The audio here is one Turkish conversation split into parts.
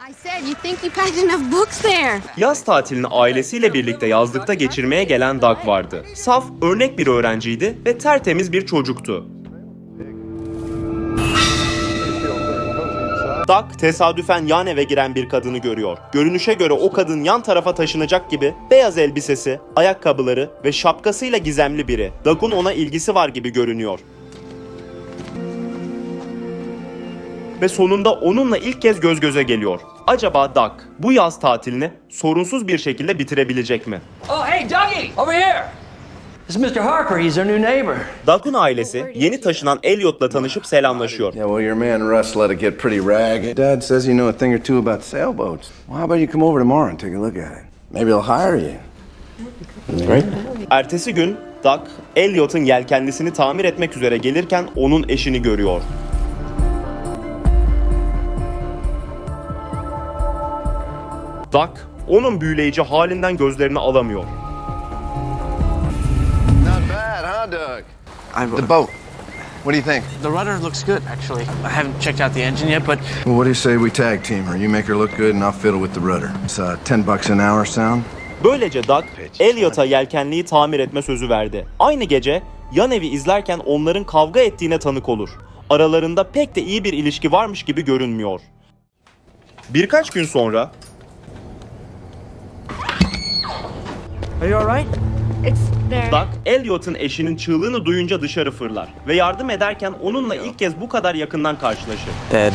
I said you think you packed enough books there. Yaz tatilini ailesiyle birlikte yazlıkta geçirmeye gelen Doug vardı. Saf, örnek bir öğrenciydi ve tertemiz bir çocuktu. Doug tesadüfen yan eve giren bir kadını görüyor. Görünüşe göre o kadın yan tarafa taşınacak gibi beyaz elbisesi, ayakkabıları ve şapkasıyla gizemli biri. Doug'un ona ilgisi var gibi görünüyor. Ve sonunda onunla ilk kez göz göze geliyor. Acaba Doug bu yaz tatilini sorunsuz bir şekilde bitirebilecek mi? Oh, hey, Dougie! Over here! This is Mr. Harper. He's our new neighbor. Doug'un ailesi yeni taşınan Elliot'la tanışıp selamlaşıyor. Yeah, well, your man Russ let it get pretty ragged. Dad says you know a thing or two about sailboats. Well, how about you come over tomorrow and take a look at it? Maybe he'll hire you. Great. Ertesi gün Doug, Elliot'un yelkenlisini tamir etmek üzere gelirken onun eşini görüyor. Doug, onun büyüleyici halinden gözlerini alamıyor. Not bad, huh, Doug? The boat. What do you think? The rudder looks good, actually. I haven't checked out the engine yet, but Well, what do you say we tag team her? You make her look good and I'll fiddle with the rudder. It's $10 an hour sound. Böylece Doug, Elliot'a yelkenliyi tamir etme sözü verdi. Aynı gece yan evi izlerken onların kavga ettiğine tanık olur. Aralarında pek de iyi bir ilişki varmış gibi görünmüyor. Birkaç gün sonra are you all right? It's there. Doug, Elliot'un eşinin çığlığını duyunca dışarı fırlar ve yardım ederken onunla ilk kez bu kadar yakından karşılaşır. Dad.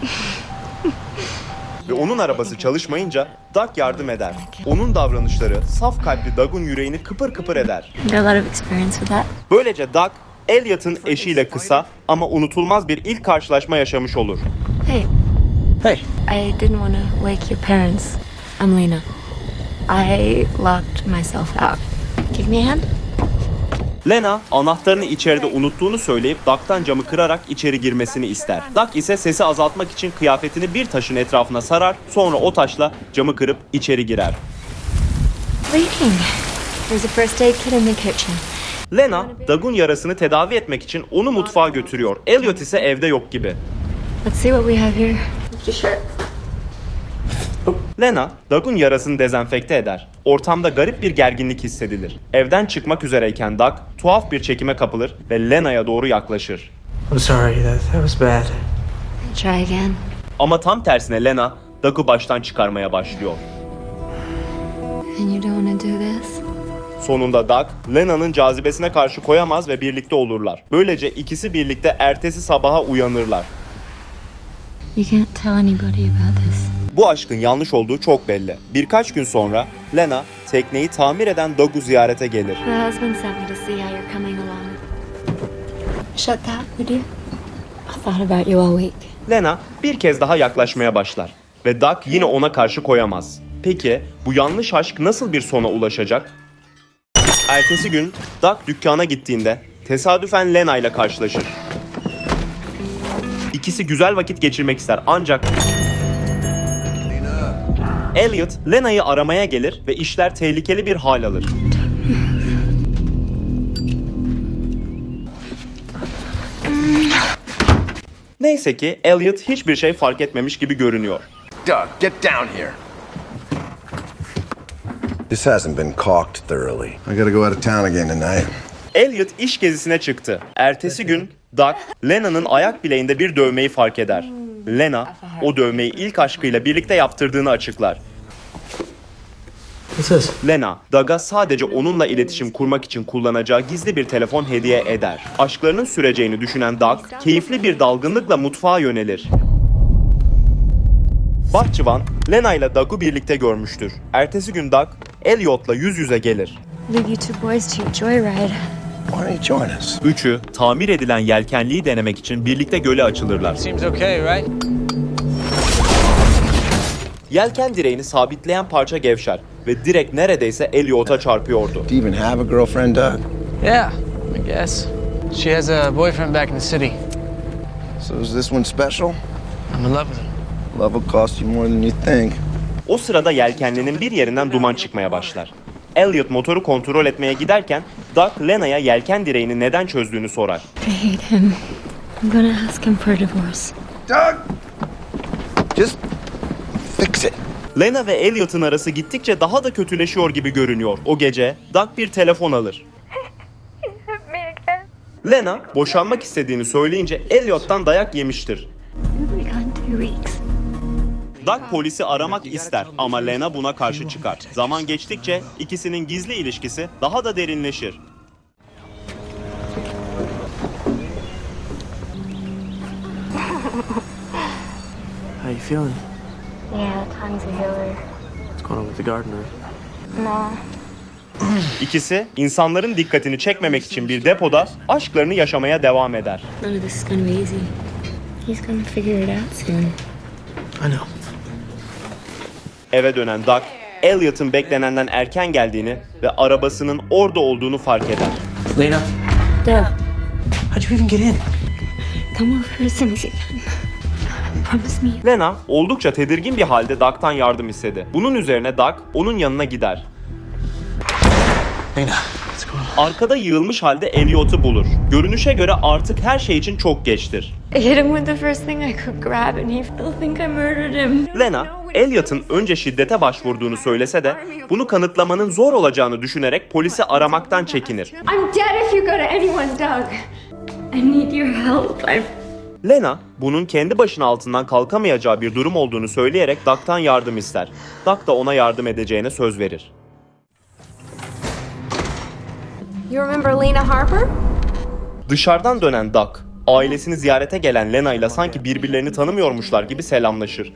Ve onun arabası çalışmayınca Doug yardım eder. Onun davranışları saf kalpli Doug'un yüreğini kıpır kıpır eder. Got a lot of experience with that. Böylece Doug, Elliot'un eşiyle kısa ama unutulmaz bir ilk karşılaşma yaşamış olur. Hey, Hey. I didn't want to wake your parents. I'm Lena. I locked myself out. Give me a hand. Lena, anahtarını içeride unuttuğunu söyleyip Doug'tan camı kırarak içeri girmesini ister. Doug ise sesi azaltmak için kıyafetini bir taşın etrafına sarar, sonra o taşla camı kırıp içeri girer. Waiting. There's a first aid kit in the kitchen. Lena, Doug'un yarasını tedavi etmek için onu mutfağa götürüyor. Elliot ise evde yok gibi. Let's see what we have here. Lena, Doug'un yarasını dezenfekte eder. Ortamda garip bir gerginlik hissedilir. Evden çıkmak üzereyken Doug, tuhaf bir çekime kapılır ve Lena'ya doğru yaklaşır. I'm sorry, that was bad. Try again. Ama tam tersine Lena, Doug'u baştan çıkarmaya başlıyor. And you don't want to do this? Sonunda Doug, Lena'nın cazibesine karşı koyamaz ve birlikte olurlar. Böylece ikisi birlikte ertesi sabaha uyanırlar. You can't tell anybody about this. Bu aşkın yanlış olduğu çok belli. Birkaç gün sonra Lena, tekneyi tamir eden Doug'u ziyarete gelir. The husband sent me to see how you're coming along. Shut that, would you? I thought about you all week. Lena bir kez daha yaklaşmaya başlar ve Doug yine ona karşı koyamaz. Peki bu yanlış aşk nasıl bir sona ulaşacak? Ertesi gün Doug dükkana gittiğinde tesadüfen Lena ile karşılaşır. İkisi güzel vakit geçirmek ister ancak Elliot Lena'yı aramaya gelir ve işler tehlikeli bir hal alır. Neyse ki Elliot hiçbir şey fark etmemiş gibi görünüyor. Doug, get down here. This hasn't been caulked thoroughly. I gotta go out of town again tonight. Elliot iş gezisine çıktı. Ertesi gün Doug, Lena'nın ayak bileğinde bir dövmeyi fark eder. Lena, o dövmeyi ilk aşkıyla birlikte yaptırdığını açıklar. What's this? Lena, Doug'a sadece onunla iletişim kurmak için kullanacağı gizli bir telefon hediye eder. Aşklarının süreceğini düşünen Doug, keyifli bir dalgınlıkla mutfağa yönelir. Bahçıvan, Lena ile Doug'u birlikte görmüştür. Ertesi gün Doug, Elliot'la yüz yüze gelir. Leave you two boys to your joyride. Why don't you join us? Üçü, tamir edilen yelkenliği denemek için birlikte göle açılırlar. Seems okay, right? Yelken direğini sabitleyen parça gevşer ve direk neredeyse Elliot'a çarpıyordu. Do you even have a girlfriend, Doug? Yeah, I guess. She has a boyfriend back in the city. So is this one special? I'm in love with him. Love will cost you more than you think. O sırada yelkenlinin bir yerinden duman çıkmaya başlar. Elliot motoru kontrol etmeye giderken Doug Lena'ya yelken direğini neden çözdüğünü sorar. I hate him. I'm gonna ask him for a divorce. Doug! Just is it? Lena ve Elliot'ın arası gittikçe daha da kötüleşiyor gibi görünüyor. O gece Doug bir telefon alır. Lena boşanmak istediğini söyleyince Elliot'tan dayak yemiştir. We'll be gone 2 weeks. Doug polisi aramak ister ama Lena buna karşı çıkar. Zaman geçtikçe ikisinin gizli ilişkisi daha da derinleşir. How you feeling? Yeah, time's a healer. What's going on with the gardener? No. İkisi insanların dikkatini çekmemek için bir depoda aşklarını yaşamaya devam eder. None of this is gonna be easy. He's gonna figure it out soon. I know. Eve dönen Doug, Elliot'ın beklenenden erken geldiğini ve arabasının orada olduğunu fark eder. Lena, Doug, how'd you even get in? come over as soon as you can. Promise me. Lena oldukça tedirgin bir halde Doug'tan yardım istedi. Bunun üzerine Doug onun yanına gider. Lena, what's going on? Arkada yığılmış halde Elliot'u bulur. Görünüşe göre artık her şey için çok geçtir. I hit him with the first thing I could grab and he'll think I murdered him. Lena, Elliot'ın önce şiddete başvurduğunu söylese de bunu kanıtlamanın zor olacağını düşünerek polisi aramaktan çekinir. I'm dead if you go to anyone, Doug. I need your help. Lena, bunun kendi başına altından kalkamayacağı bir durum olduğunu söyleyerek Doug'tan yardım ister. Doug da ona yardım edeceğine söz verir. You remember Lena Harper? Dışarıdan dönen Doug, ailesini ziyarete gelen Lena ile sanki birbirlerini tanımıyormuşlar gibi selamlaşır.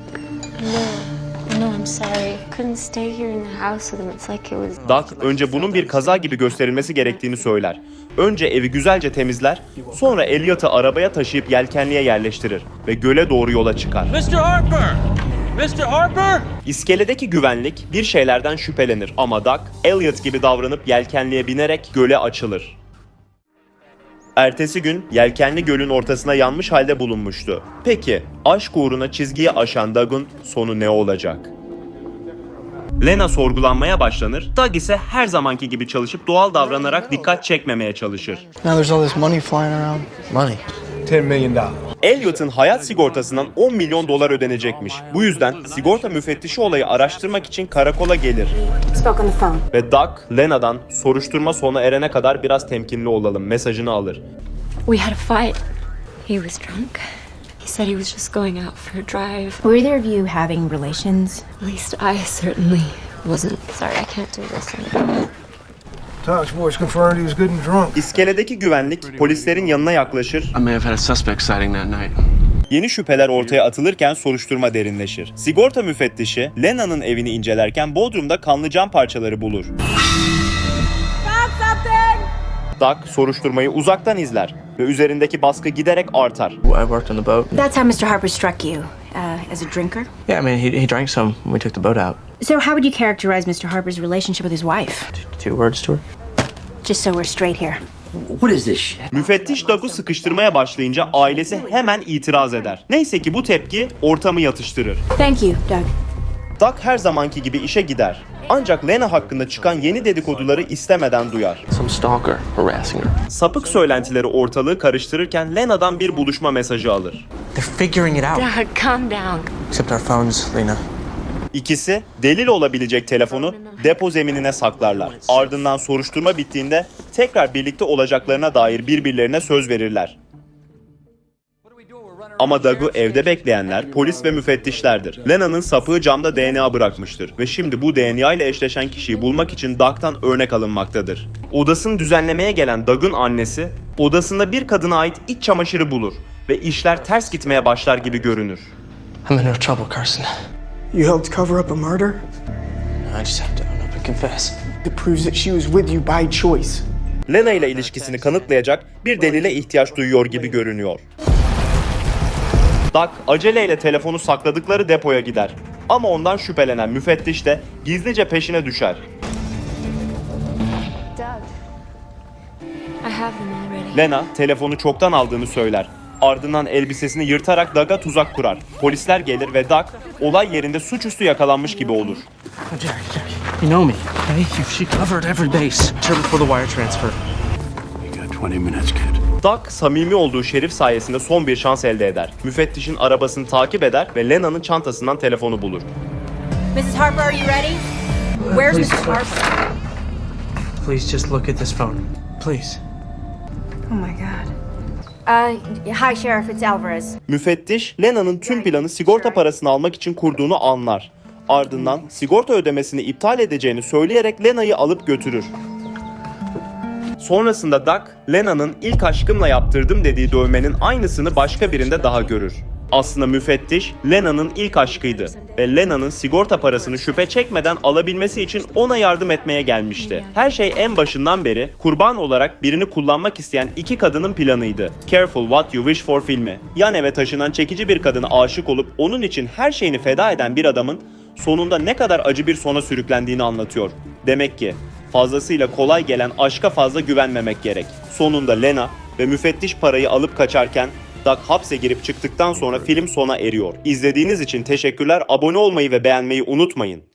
No, I'm sorry. Couldn't stay here in the house with him. It's like it was... Doug önce bunun bir kaza gibi gösterilmesi gerektiğini söyler. Önce evi güzelce temizler, sonra Elliot'ı arabaya taşıyıp yelkenliğe yerleştirir ve göle doğru yola çıkar. Mr. Harper! Mr. Harper! İskeledeki güvenlik bir şeylerden şüphelenir ama Doug, Elliot gibi davranıp yelkenliğe binerek göle açılır. Ertesi gün yelkenli gölün ortasına yanmış halde bulunmuştu. Peki, aşk uğruna çizgiyi aşan Doug'un sonu ne olacak? Lena sorgulanmaya başlanır, Doug ise her zamanki gibi çalışıp doğal davranarak dikkat çekmemeye çalışır. Now there's all this money flying around. Money? $10 million. Elliot'ın hayat sigortasından 10 milyon dolar ödenecekmiş. Bu yüzden sigorta müfettişi olayı araştırmak için karakola gelir. Spoke on the phone. Ve Doug, Lena'dan soruşturma sona erene kadar biraz temkinli olalım mesajını alır. We had a fight. He was drunk. He said he was just going out for a drive. Were either of you having relations? At least I certainly wasn't. Sorry, I can't do this anymore. Doug's voice confirmed he was good and drunk. İskeledeki güvenlik polislerin yanına yaklaşır. I may have had a suspect sighting that night. Yeni şüpheler ortaya atılırken soruşturma derinleşir. Sigorta müfettişi Lena'nın evini incelerken bodrumda kanlı cam parçaları bulur. Doug soruşturmayı uzaktan izler ve üzerindeki baskı giderek artar. I worked on the boat. That's how Mr. Harper struck you. As a drinker? Yeah, I mean, he drank some when we took the boat out. So how would you characterize Mr. Harper's relationship with his wife? 2 words to her. Just so we're straight here. What is this shit? Müfettiş Doug'u sıkıştırmaya başlayınca ailesi hemen itiraz eder. Neyse ki bu tepki ortamı yatıştırır. Thank you, Doug. Doug her zamanki gibi işe gider. Ancak Lena hakkında çıkan yeni dedikoduları istemeden duyar. Some stalker harassing her. Sapık söylentileri ortalığı karıştırırken Lena'dan bir buluşma mesajı alır. They're figuring it out. Doug, calm down. Except our phones, Lena. İkisi delil olabilecek telefonu depo zeminine saklarlar. Ardından soruşturma bittiğinde tekrar birlikte olacaklarına dair birbirlerine söz verirler. Ama Doug'u evde bekleyenler polis ve müfettişlerdir. Lena'nın sapığı camda DNA bırakmıştır ve şimdi bu DNA ile eşleşen kişiyi bulmak için Doug'tan örnek alınmaktadır. Odasını düzenlemeye gelen Doug'un annesi odasında bir kadına ait iç çamaşırı bulur ve işler ters gitmeye başlar gibi görünür. I'm in real trouble, Carson. You helped cover up a murder? I just have to own up and confess. It proves that she was with you by choice. Lena ile ilişkisini kanıtlayacak bir delile ihtiyaç duyuyor gibi görünüyor. Doug aceleyle telefonu sakladıkları depoya gider. Ama ondan şüphelenen müfettiş de gizlice peşine düşer. Doug, I have them already. Lena telefonu çoktan aldığını söyler. Ardından elbisesini yırtarak Doug'a tuzak kurar. Polisler gelir ve Doug olay yerinde suçüstü yakalanmış gibi olur. Jack. You know me, okay? She covered every base. Sure before the wire transfer. You got 20 minutes, kid. Doug samimi olduğu şerif sayesinde son bir şans elde eder. Müfettişin arabasını takip eder ve Lena'nın çantasından telefonu bulur. Mrs. Harper, are you ready? Where's Please, Mrs. Harper? Please just look at this phone. Please. Oh my God. Hi, Sheriff. It's Alvarez. Müfettiş, Lena'nın tüm planı sigorta parasını almak için kurduğunu anlar. Ardından sigorta ödemesini iptal edeceğini söyleyerek Lena'yı alıp götürür. Sonrasında Doug, Lena'nın ilk aşkımla yaptırdım dediği dövmenin aynısını başka birinde daha görür. Aslında müfettiş, Lena'nın ilk aşkıydı ve Lena'nın sigorta parasını şüphe çekmeden alabilmesi için ona yardım etmeye gelmişti. Her şey en başından beri kurban olarak birini kullanmak isteyen iki kadının planıydı. Careful What You Wish For filmi, yan eve taşınan çekici bir kadına aşık olup onun için her şeyini feda eden bir adamın sonunda ne kadar acı bir sona sürüklendiğini anlatıyor. Demek ki fazlasıyla kolay gelen aşka fazla güvenmemek gerek. Sonunda Lena ve müfettiş parayı alıp kaçarken Doug hapse girip çıktıktan sonra film sona eriyor. İzlediğiniz için teşekkürler. Abone olmayı ve beğenmeyi unutmayın.